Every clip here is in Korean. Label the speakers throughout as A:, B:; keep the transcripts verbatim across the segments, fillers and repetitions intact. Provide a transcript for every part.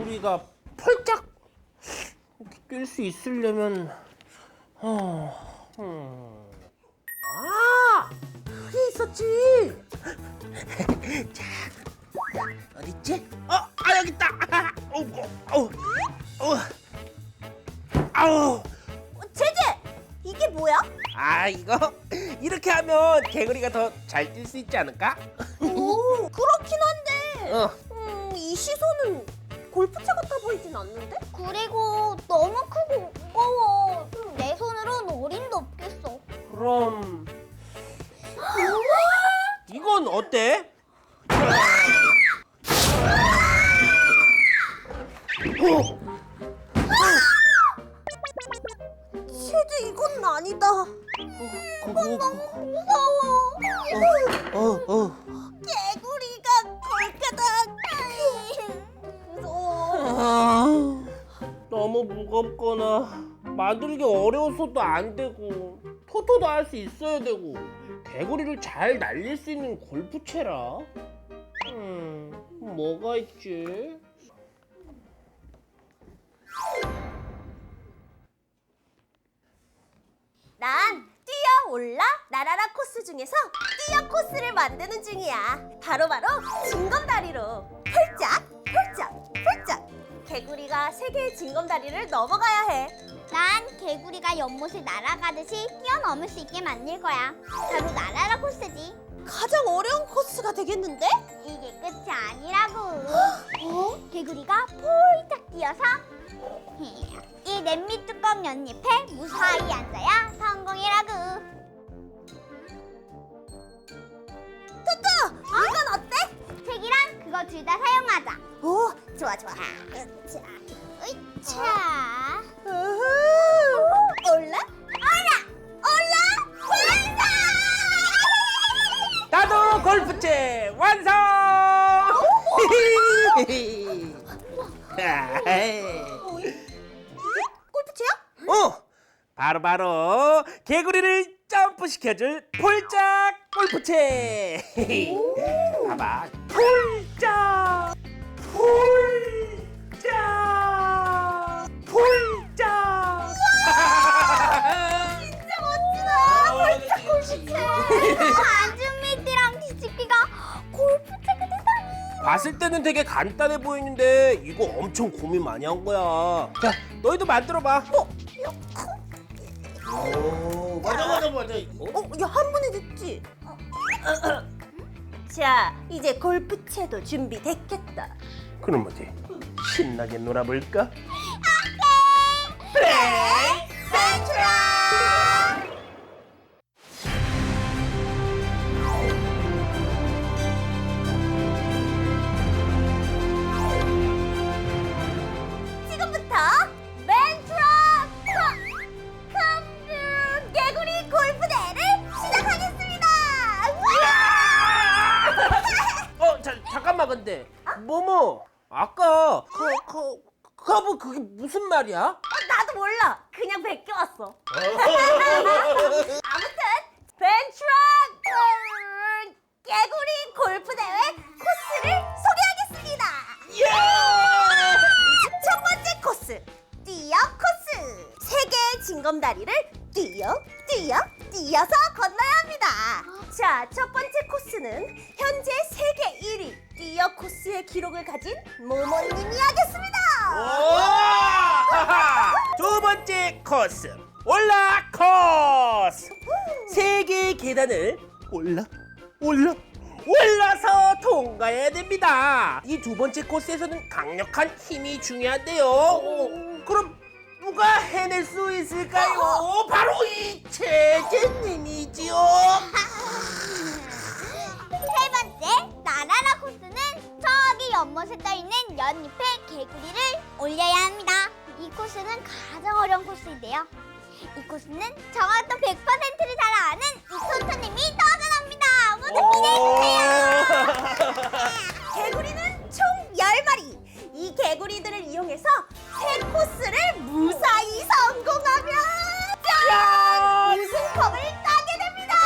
A: 개구리가 펄짝 뛸 수 있으려면 어, 음. 아, 여기 있었지. 자, 어디 있지? 어, 아 여기 있다. 어, 어, 어, 아우.
B: 제재! 이게 뭐야?
A: 아 이거 이렇게 하면 개구리가 더 잘 뛸 수 있지 않을까?
B: 오, 그렇긴 한데
A: 어.
B: 음, 이 시선은 골프채 같아 보이진 않는데?
C: 그리고 너무 크고 무거워. 내 손으로는 어림도 없겠어.
A: 그럼 이건 어때? 어?
B: 제재, 이건 아니다.
A: 그거
B: 너무 무서워.
A: 어, 어.
B: 개구리가 걸까다. 무서워.
A: 아, 너무 무겁거나 만들기 어려워서도 안 되고 토토도 할 수 있어야 되고 개구리를 잘 날릴 수 있는 골프채라. 음, 뭐가 있지?
B: 난 뛰어 올라 나라라 코스 중에서 뛰어 코스를 만드는 중이야. 바로바로 징검다리로 펄짝 펄짝 펄짝. 개구리가 세 개의 징검다리를 넘어가야 해.
C: 난 개구리가 연못을 날아가듯이 뛰어넘을 수 있게 만들 거야. 바로 나라라 코스지.
B: 가장 어려운 코스가 되겠는데?
C: 이게 끝이 아니라고. 어? 개구리가 폴짝 뛰어서 이 냄비 뚜껑 연잎에 무사히 앉아야 성공이라고.
B: 토토! 이건 어때?
C: 책이랑 그거 둘 다 사용하자.
B: 오, 좋아 좋아.
C: 자, 으차.
B: 우후. 올라 올라 올라 완성!
A: 나도 골프채 완성!
B: 골프채야?
A: 어, 바로바로 개구리를 점프시켜줄 폴짝 골프채. 봐봐, 폴짝, 폴짝, 폴짝.
B: 진짜 멋지다.
A: 폴짝 골프채.
C: 안준미띠랑 뒤집기가 골프채가 되다니.
A: 봤을 때는 되게 간단해 보이는데 이거 엄청 고민 많이 한 거야. 자, 너희도 만들어봐. 어? 오, 맞아 맞아 맞아.
B: 어, 야, 한 번에 됐지? 자, 이제 골프채도 준비됐겠다.
A: 그럼 어디 신나게 놀아볼까?
B: 플레이 센트럴! 지금부터 멘트럴 컴퓨 개구리 골프대회를 시작하겠습니다.
A: 어, 자, 잠깐만 근데 모모 아까 그, 그, 커브 그게 무슨 말이야?
B: 어, 나도 몰라. 그냥 베껴왔어. 아무튼 벤트락 개구리 골프대회 코스를 소개하겠습니다. 첫 번째 코스, 뛰어 코스. 세 개의 징검다리를 뛰어 뛰어 뛰어서 건너야 합니다. 자, 첫 번째 코스는 현재 세계 일 위 뛰어 코스의 기록을 가진 모모님이 하겠습니다.
A: 오! 두 번째 코스 올라 코스. 세 개의 계단을 올라 올라 올라서 통과해야 됩니다. 이 두 번째 코스에서는 강력한 힘이 중요한데요. 어, 그럼 누가 해낼 수 있을까요? 바로 이 제재님이지요.
C: 세 번째 나라라 코스는 저기 연못에 떠있는 연잎에 개구리를 올려야 합니다. 이 코스는 가장 어려운 코스인데요. 이 코스는 저와 또 백 퍼센트를 잘 아는 이 토토님이 도전합니다. 모두 기대해주세요.
B: 개구리는 총 열 마리. 이 개구리들을 이용해서 세 코스를 무사히 성공하면 짠! 우승컵을 따게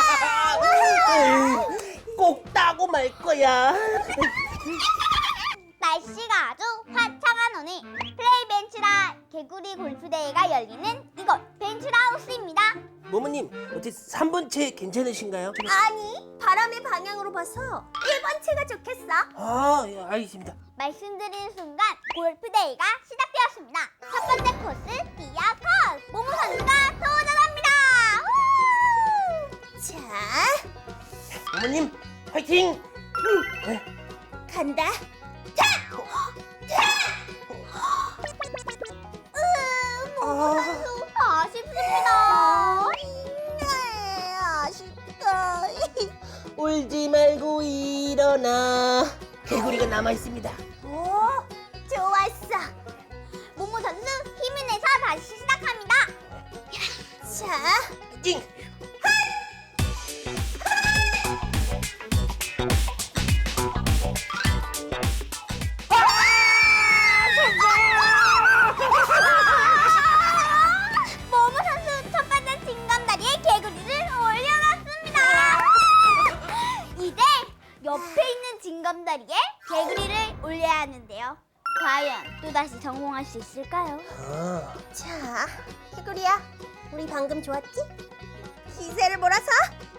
B: 됩니다.
A: 꼭 따고 말 거야.
C: 날씨가 아주 화창한 오늘 개구리 골프 대회가 열리는 이곳 벤츄라우스입니다.
A: 모모님, 어떻게 삼 번 채 괜찮으신가요?
B: 아니, 바람의 방향으로 봐서 일 번 채가 좋겠어.
A: 아, 예, 알겠습니다.
C: 말씀드리는 순간 골프 대회가 시작되었습니다. 첫 번째 코스 디아 코스. 모모 선수가 도전합니다. 우!
B: 자,
A: 모모님, 화이팅! 네.
B: 간다.
C: 으, 모모 선수 아쉽습니다.
B: 네, 아쉽다.
A: 울지 말고 일어나. 개구리가 남아 있습니다.
B: 오, 좋았어.
C: 모모 선수 힘을 내서 다시 시작합니다.
B: 자,
A: 찡!
C: 모모 선수 첫 번째 징검다리에 개구리를 올려놨습니다. 이제 옆에 있는 징검다리에 개구리를 올려야 하는데요. 과연 또다시 성공할 수 있을까요?
A: 아,
B: 자, 개구리야, 우리 방금 좋았지? 기세를 몰아서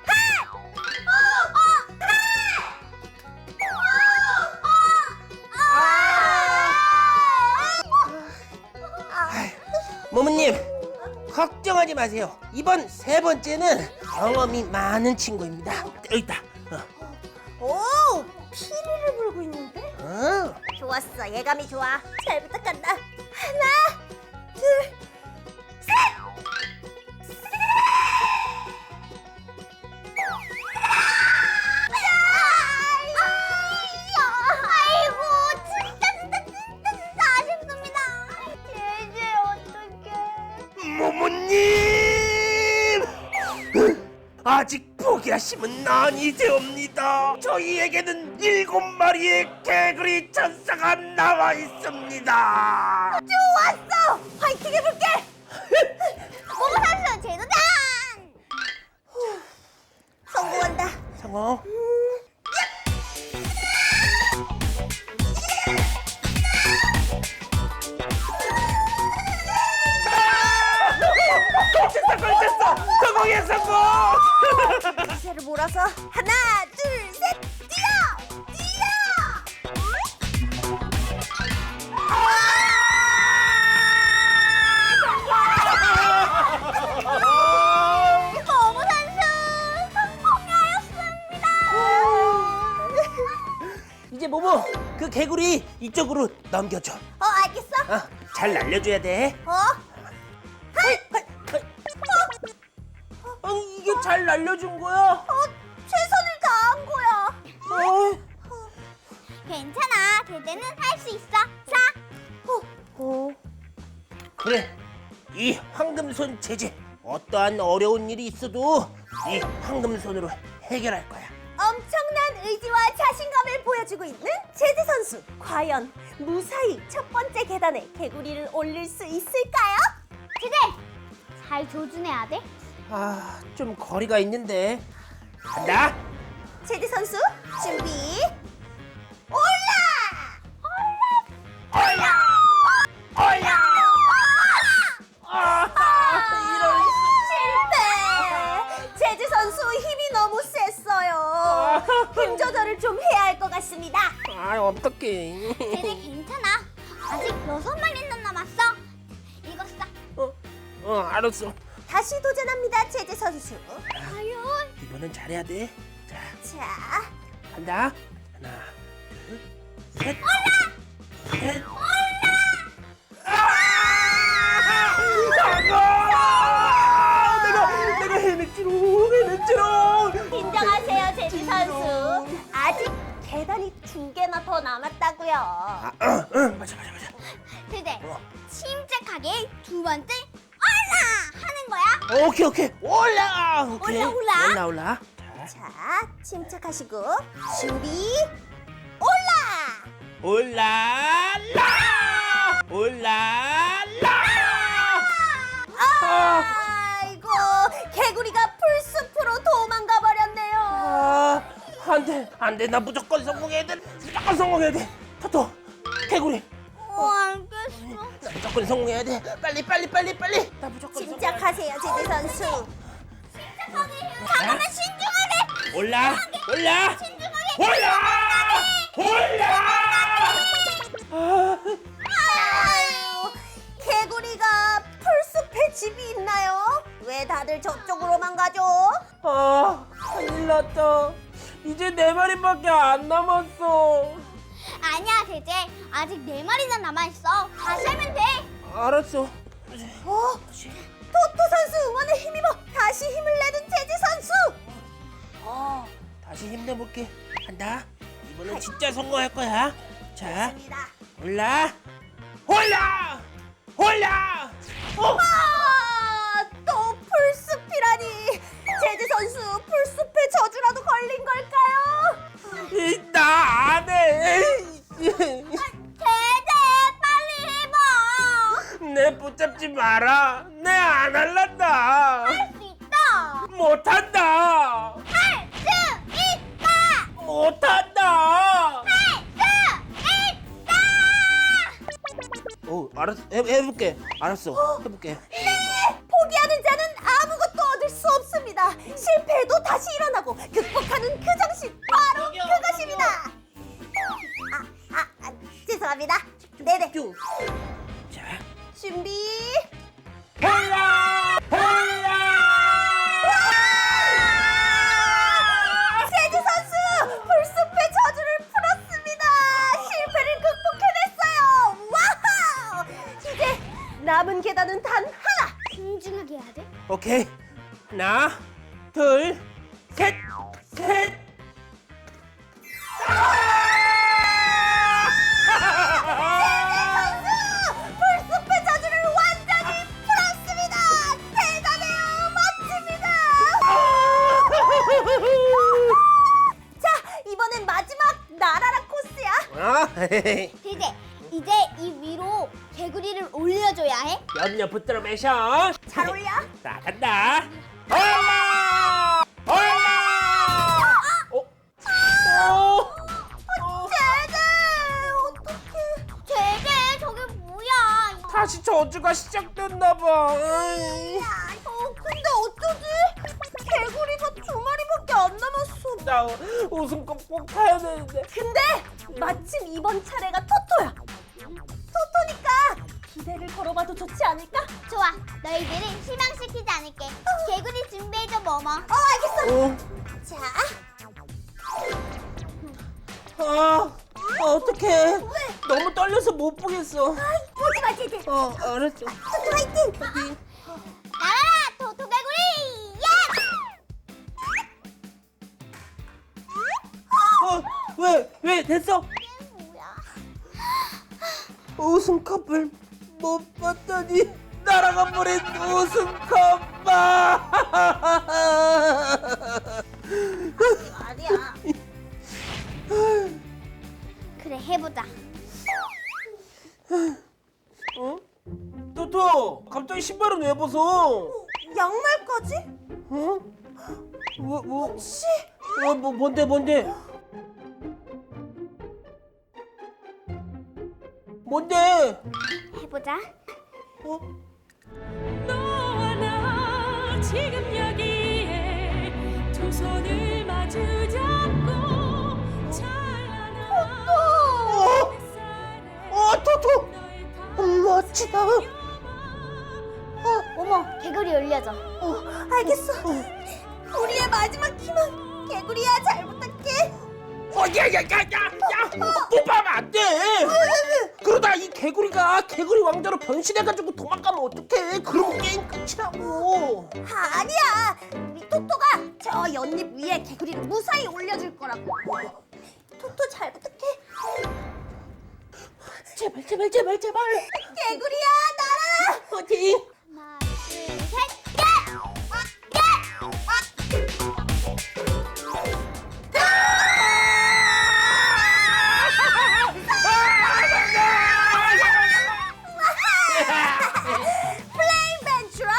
A: 모모님, 걱정하지 마세요. 이번 세 번째는 경험이 많은 친구입니다. 여기 있다. 어.
B: 오, 피리를 불고 있는데?
A: 어.
B: 좋았어, 예감이 좋아. 잘 부탁한다. 하나, 둘, 셋!
C: 아이고, 진짜 진짜 진짜 진짜 아쉽습니다. 제제 어떡해.
A: 모모님! 아직 포기하시면 아니되옵니다. 저희에게는 일곱 마리의 개구리 천사가 나와 있습니다.
B: 좋았어! 화이팅 해볼게!
C: 모모 선수 재도전!
B: 성공한다.
A: 성공. 걸쳤어, 걸쳤어. 성공해, 성공.
B: 기세를 몰아서 하나, 둘, 셋, 뛰어! 뛰어!
C: 모모 선수 성공하였습니다.
A: 이제 모모, 그 개구리 이쪽으로 넘겨줘.
B: 어, 알겠어?
A: 아, 잘 날려줘야 돼.
B: 어?
A: 하이, 하이, 하이. 아니, 이게 잘 날려준 거야?
B: 어, 최선을 다한 거야.
A: 어?
C: 괜찮아, 대대는 할 수 있어. 자,
B: 어,
A: 그래, 이 황금손 제재. 어떠한 어려운 일이 있어도 이 황금손으로 해결할 거야.
B: 엄청난 의지와 자신감을 보여주고 있는 제드 선수. 과연 무사히 첫 번째 계단에 개구리를 올릴 수 있을까요?
C: 대대 잘 조준해야 돼.
A: 아, 좀 거리가 있는데. 간다.
B: 제드 선수 준비. 올라!
A: 올라! 올라! 아, 이런.
B: 실패! 제드 선수 힘이 너무 셌어요. 힘 조절을 좀 해야 할 것 같습니다.
A: 아, 어떡해.
C: 대대 괜찮아. 아직 여섯 마리는 남았어. 이거 싸.
A: 어, 어, 알았어.
B: 다시 도전합니다, 제드 선수.
C: 과연?
A: 이번엔 잘해야 돼. 자,
B: 자,
A: 간다. 하나, 둘, 셋. 올라! 셋. 올라! 아! 성공! 내가, 내가 해냈지롱, 해냈지롱.
B: 인정하세요, 제드 선수. 아직 계단이 두 개나 더 남았다고요.
A: 아, 어, 어, 맞아, 맞아, 맞아.
C: 대대
A: 어.
C: 침착하게 두 번째 올라 하는 거야.
A: 오케이, 오케이. 올라! 오케이.
B: 올라, 올라.
A: 올라, 올라. 자,
B: 자, 침착하시고 준비. 올라!
A: 올라라! 올라라!
B: 아이고, 개구리가 풀숲으로 도망가 버렸네요.
A: 아, 안 돼, 안 돼. 나 무조건 성공해야 돼. 무조건 성공해야 돼. 토토, 개구리,
C: 어, 알겠어.
A: 나 무조건 성공해야 돼. 빨리 빨리 빨리 빨리. 나 무조건
B: 침착하세요, 제재 선수.
C: 잠깐만 신중하게.
A: 올라 올라 올라 올라.
B: 아유, 개구리가 풀숲에 집이 있나요? 왜 다들 저쪽으로만 가죠?
A: 아, 큰일 났다. 이제 네 마리밖에 안 남았어.
C: 아니야 제제, 아직 네 마리나 남아있어. 다시 하면 돼.
A: 알았어.
B: 어? 토토 선수 응원에 힘입어 다시 힘을 내는 제재 선수. 어,
A: 다시 힘내볼게. 간다. 이번엔 진짜 성공할 거야. 자,
B: 좋습니다.
A: 올라, 올라, 올라. 어,
B: 아, 또 풀숲이라니. 제재 선수 풀숲에 저주라도 걸린 걸까요?
A: 이, 나 안 해.
C: 제제 빨리 해봐.
A: 내 붙잡지 마라. 내 안 할란다.
C: 할 수 있다.
A: 못한다.
C: 할 수 있다.
A: 못한다.
C: 할 수 있다.
A: 어, 알았어. 해, 해볼게. 알았어. 해볼게.
B: 네, 포기하는 자는 아무것도 얻을 수 없습니다. 실패해도 다시 일어나고 극복하는 그 정신 바로
A: 저기요,
B: 그것입니다. 아, 아, 아, 죄송합니다. 네네.
A: 쭉. 자,
B: 준비.
A: 올라, 올라.
B: 세지 선수 풀숲의 저주를 풀었습니다. 실패를 극복해냈어요. 와우! 이제 남은 계단은 단 하나.
C: 신중하게 해야 돼.
A: 오케이. 하나, 둘, 셋, 셋.
B: 선수 풀숲의 저주를 완전히 풀었습니다. 대단해요. 멋집니다. 자, 이번엔 마지막 나라라 코스야.
A: 아,
C: 제제, 이제 이 위로 개구리를 올려줘야 해.
A: 염려 붙들어 매셔.
B: 잘 올려.
A: 자, 간다. 올라, 올라. 어, 어, 어.
B: 제재 어떡해.
C: 제제, 저게 뭐야?
A: 다시 저주가 시작됐나 봐. 으이.
B: 어, 근데 어쩌지? 개구리가 두 마리밖에 안 남았어.
A: 나 우승컵 꼭 타야 되는데.
B: 근데 마침 이번 차례가 토토야. 토토니까 기대를 걸어봐도 좋지 않을까?
C: 좋아, 너희들을 실망시키지 않을게. 개구리 준비해줘, 뭐뭐.
B: 어, 알겠어.
A: 어,
B: 자,
A: 아, 어떡해. 너무 떨려서 못 보겠어.
B: 보지 마, 제재.
A: 어, 알았어.
B: 토토 화이팅.
C: 나라라, 토토 개구리! 예!
A: 어, 왜, 왜 됐어?
C: 이게 뭐야?
A: 우승컵을 못 봤더니 날아가 버린 우승컵 봐.
B: 아니야.
C: 그래, 해보자.
A: 어? 토토, 갑자기 신발은 왜 벗어?
B: 양말까지?
A: 어? 뭐, 뭐,
B: 씨.
A: 어, 뭐, 뭔데, 뭔데? 뭔데?
C: 해보자.
A: 어?
D: 너와 나 지금 여기에 두 손을 마주 잡고 찬란한
A: 어? 어, 토토!
D: 너의
A: 멋지다.
C: 어머, 개구리 올려줘.
B: 어, 알겠어. 우리의 마지막 희망. 개구리야, 잘 부탁해.
A: 어, 야, 야, 야, 야, 야! 뽀뽀하면 안 돼! 그러다 이 개구리가 개구리 왕자로 변신해가지고 도망가면 어떡해? 그럼 게임 끝이라고!
B: 아니야. 우리 토토가 저 연잎 위에 개구리를 무사히 올려줄 거라고. 토토 잘 부탁해.
A: 제발, 제발, 제발, 제발!
B: 개구리야, 날아라.
A: 어디?
C: 하나, 둘, 셋, 예!
B: 플레잉 벤츄라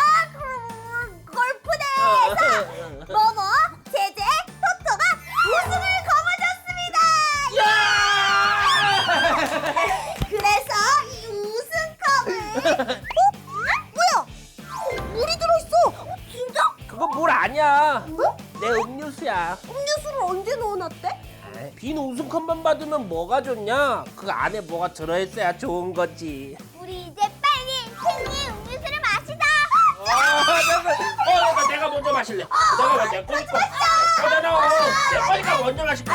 B: 골프대에서 모모, 제제, 토토가 우승을 거머쥐었습니다.
A: 야!
B: 그래서 뭐야? 어, 물이 들어있어. 어, 진짜?
A: 그거 물 아니야.
B: 뭐?
A: 내 음료수야.
B: 음료수를 언제 넣어놨대?
A: 에이, 빈 우승컵만 받으면 뭐가 좋냐? 그 안에 뭐가 들어있어야 좋은 거지.
C: 우리 이제 빨리 생리 음료수를 마시자.
A: 어, 내가, 어, 내가, 내가 먼저 마실래. 내가 먼저 내 거니까. 어, 나, 나, 어, 내 거니까 먼저 마실게.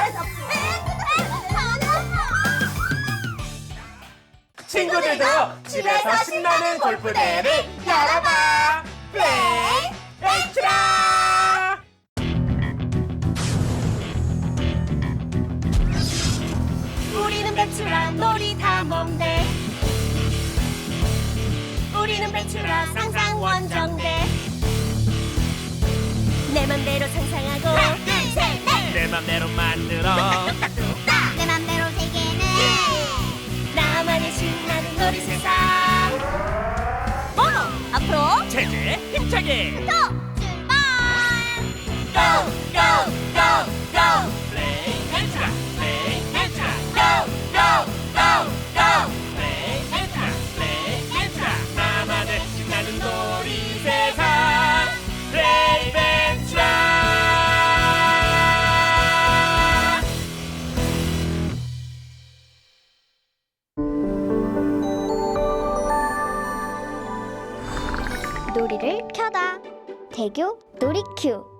A: 친구들도 집에서 신나는 골프대회를 열어봐. 플레이 엑스트라.
B: 우리는 배추라 놀이 탐험대. 우리는 배추라 상상 원정대. 내 맘대로 상상하고 하나 둘셋넷
A: 내 맘대로 만들어.
C: 내 맘대로 세계는
B: 나만의 신나는 놀이 세상. 어 앞으로
A: 체제 힘차게.
C: 또 출발.
B: go go go go
A: 플레이 엑스트라. 플레이 엑스트라. go go go go. 플레이 엑스트라. 플레이 엑스트라. 나만의 신나는 놀이 세상. 플레이 엑스트라.
C: 놀이를 켜다. 대교 놀이큐.